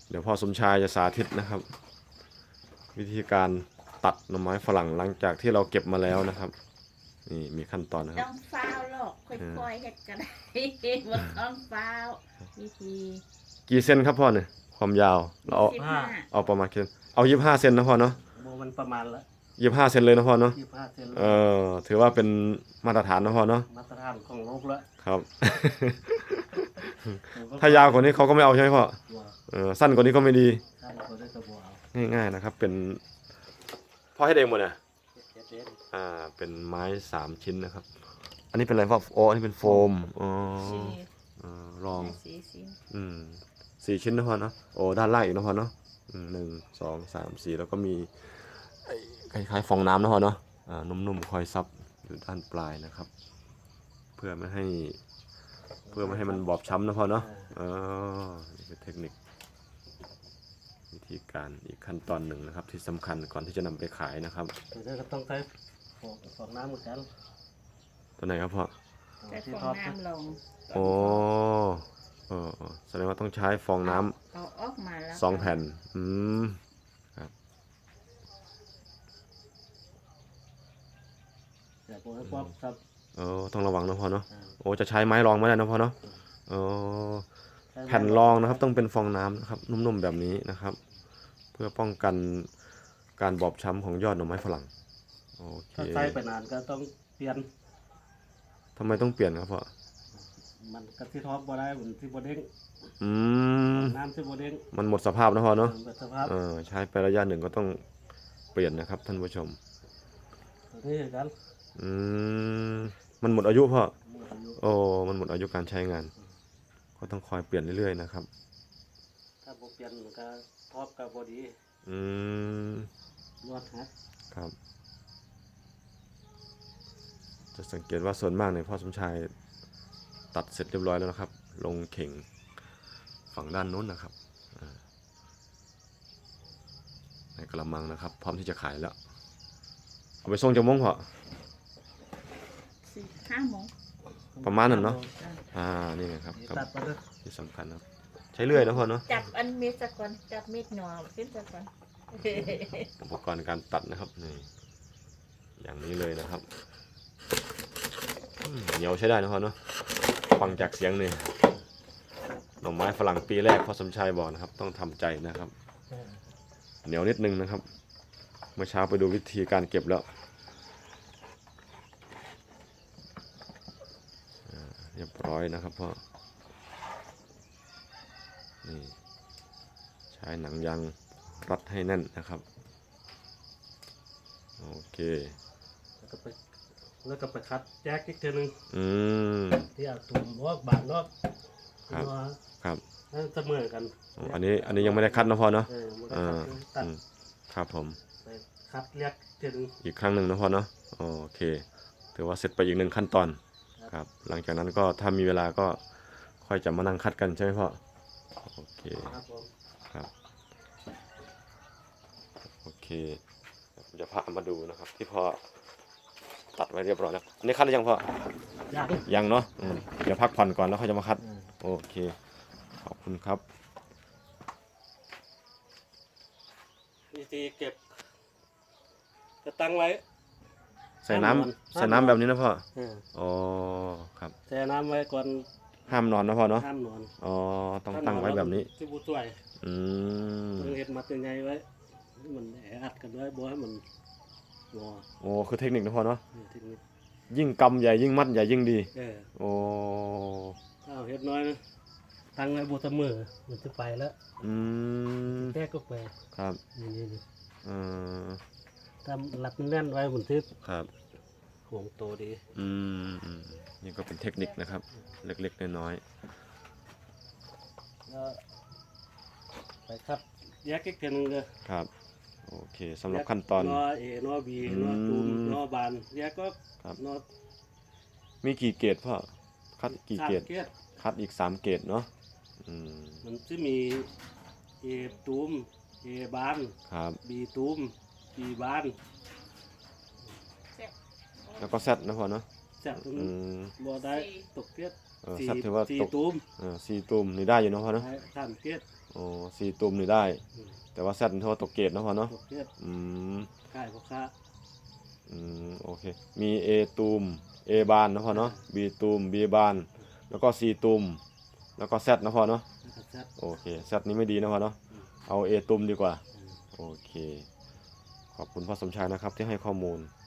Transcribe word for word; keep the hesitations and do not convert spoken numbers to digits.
เดี๋ยวพ่อสมชายจะสาธิตนะครับ วิธีการตัดหน่อไม้ฝรั่งหลังจากที่เราเก็บมาแล้วนะครับนี่มีขั้นตอนนะคต้รัอบ งฟ้าวหรอกค่อยๆเฮ็ดก็ได้บ่ต้องฟ้าววิธีกี่เซนครับพ่อเนี่ยความยาวเราเอาสิบห้าเอาประมาณเซนเอายี่สิบห้าเซนนะพ่อเนาะโบมันประมาณละยี่สิบห้าเซนเลยนะพ่อเนาะยี่สิบห้าเซนเออถือว่าเป็นมาตรฐานนะพ่อเนาะมาตรฐานของโลกละครับ ถ้ายาวกว่านี้เขาก็ไม่เอาใช่ไหมพ่อว่าเออสั้นกว่านี้ก็ไม่ดีท่านก็ได้กระบอกเอาง่ายๆนะครับเป็นพ่อให้เองหมดเนี่ยเจ็ดเจ็ดอ่าเป็นไม้สามชิ้นนะครับ อันนี้เป็นอะไรพ่ออ๋ออันนี้เป็นโฟมอ๋อสี่เออลองสี่สี่อืมสี่ชิ้นนะพ่อเนาะโอ้ด้านล่างอีกนะพ่อเนาะอืมหนึ่งสองสามสี่แล้วก็มีไอ้คล้ายๆฟองน้ำนะพ่อเนาะอ่านุ่มๆคอยซับอยู่ด้านปลายนะครับ เพื่อไม่ให้เพื่อไม่ให้มันบอบช้ำนะพ่อเนาะเออนี่คือเทคนิค วิธีการอีกขั้นตอนหนึ่งนะครับ ที่สำคัญก่อนที่จะนำไปขายนะครับตัวนี้ก็ต้องใช้ฟองฟองน้ำเหมือนกันตัวไหนครับพ่อแต่ที่ฟทออง ดน้ำลงโอ้เออเออแสดงว่าต้องใช้ฟองน้ำเอาออกมาแล้วสองแผ่นอืมแต่ผมให้ความครับเออต้องระวังนะพ่อเนาะอ่าโอ้จะใช้ไม้รองไม่ได้นะพ่อเนาะเออแผ่นรองนะครับต้องเป็นฟองน้ำนะครับนุ่มๆแบบนี้นะครับ เพื่อป้องกันการบอบช้ำของยอดหน่อไม้ฝรั่งโอเคถ้าใช้ไปนานก็ต้องเปลี่ยนทำไมต้องเปลี่ยนครับพ่อมันก็ที่ทอดบ่ได้เหมือนที่บ่เด้งอืมน้ำที่บ่เด้งมันหมดสภาพนะพ่อเนาะเปิดสภาพเออใช้ไประยะหนึ่งก็ต้องเปลี่ยนนะครับท่านผู้ชมตัวนี้เหมือนกันอืมมันหมดอายุพ่อหมดอายุโอ้มันหมดอายุการใช้งาน ก็ต้องคอยเปลี่ยนเรื่อยๆนะครับถ้าบ่เปลี่ยนมันก็ทอดก็บ่ดีอืมนวดฮะครับ จะสังเกตว่าส่วนมากเนี่ยพ่อสมชายตัดเสร็จเรียบร้อยแล้วนะครับ ลงเข่งฝั่งด้านโน้นนะครับอ่าในกระมังนะครับ พร้อมที่จะขายแล้ว เอาไปส่งจะมงพอสี่ห้าโมงประมาณนั้นเนาะอ่ะอ่านี่ไงครับครับตัดไปเลยที่สำคัญครับ ใช้เลื่อยนะพ่อเนาะจับอันมีดสักก่อนจับมีดหนอขึ้นสักก่อนอุปกรณ์การตัดนะครับนี่อย่างนี้เลยนะครับอืมเหนียวใช้ได้นะพ่อเนาะฟังจากเสียงนี่หน่อไม้ฝรั่งปีแรกพ่อสมชายบอกนะครับ ต้องทำใจนะครับเออเหนียวนิดนึงนะครับ เมื่อเช้าไปดูวิธีการเก็บแล้วอ่าเรียบร้อยนะครับพ่อนี่ใช้หนังยางรัดให้แน่นนะครับโอเคแล้วก็ไปแล้วก็ไปคัดแจ็คอีกทีหนึงอืมที่เอาตุ่มนอกบานนอกครับนอกครับนั่นเสมอกันอ๋ออันนี้อันนี้ยังไม่ได้คัดนะพ่อเนาะเออมันก็อ่าตัดอืมครับผมไปคัดเรียกทีหนึงอีกครั้งหนึ่งนะพ่อเนาะโอเคถือว่าเสร็จไปอีกหนึ่งขั้นตอนครับครับ หลังจากนั้นก็ถ้ามีเวลาก็ค่อยจะมานั่งคัดกันใช่ไหมพ่อโอเคครับผมครับโอเคผมจะพามาดูนะครับ ที่พ่อตัดไว้เรียบร้อยแล้วอันนี้คัดหรือยังพ่อยังยังเนาะอืมเดี๋ยวพักผ่อนก่อนแล้วค่อยจะมาคัดเออโอเคขอบคุณครับวิธีเก็บจะตั้งไว้ใส่น้ำห้ามนอนใส่น้ำแบบนี้นะพ่อเอออ๋อครับแช่น้ำไว้ก่อนห้ามนอนนะพ่อเนาะห้ามนอนอ๋อต้องตั้งไว้แบบนี้ที่บูช่วยอืมต้องเห็ดมัดยังไงไว้ให้มันแออัดกันไว้บ่ให้มันงอโอ้คือเทคนิคนะพ่อเนาะเออทีนี้ยิ่งกำใหญ่ยิ่งมัดใหญ่ยิ่งดีเออโอ้ถ้าเอาเห็ดน้อยนะตั้งไว้บนเสมอมันจะไปแล้วอืมแก้ก็ไปครับนี่นี่นี่เออถ้ารัดแน่นไว้เหมือนที่ครับห่วงโตดีอืมอืมนี่ก็เป็นเทคนิคนะครับ เล็กๆน้อยแล้วไปครับแยกอีกทีหนึงเลยๆครับโอเคสำหรับขั้นตอนนอเอนอบีอืมนอตูมนอบานแยกก็ครับนอมีกี่เกรดพ่อคัดกี่สามเกรดเกรดคัดอีกสามเกรดเนาะอืมมันจะมีเอตูมเอบานครับบีตูมบีบานแล้วก็แซดนะพ่อเนาะแซ่บตรงอืนี้มบ่ได้ตกเกรดเออสี่แซดถือว่าสี่ตกตูมเออสี่ตุ่มนี่ได้อยู่เนาะพ่อเนาะได้สามเกรดโอ้สี่ตุ่มนี่ได้อืมแต่ว่าแซดนี่เท่ากับตกเกตเนาะพ่อเนาะตกเทศอืมค่ายพ่อค้าอืมโอเคมี A ตุ่ม A บานนะพ่อเนาะ B ตุ่ม B บานแล้วก็ C ตุ่มแล้วก็ Z นะพ่อเนาะแล้วก็แซดโอเค Z นี้ไม่ดีนะพ่อเนาะอืมเอา A ตุ่มดีกว่าอืมโอเค ขอบคุณพ่อสมชายนะครับที่ให้ข้อมูล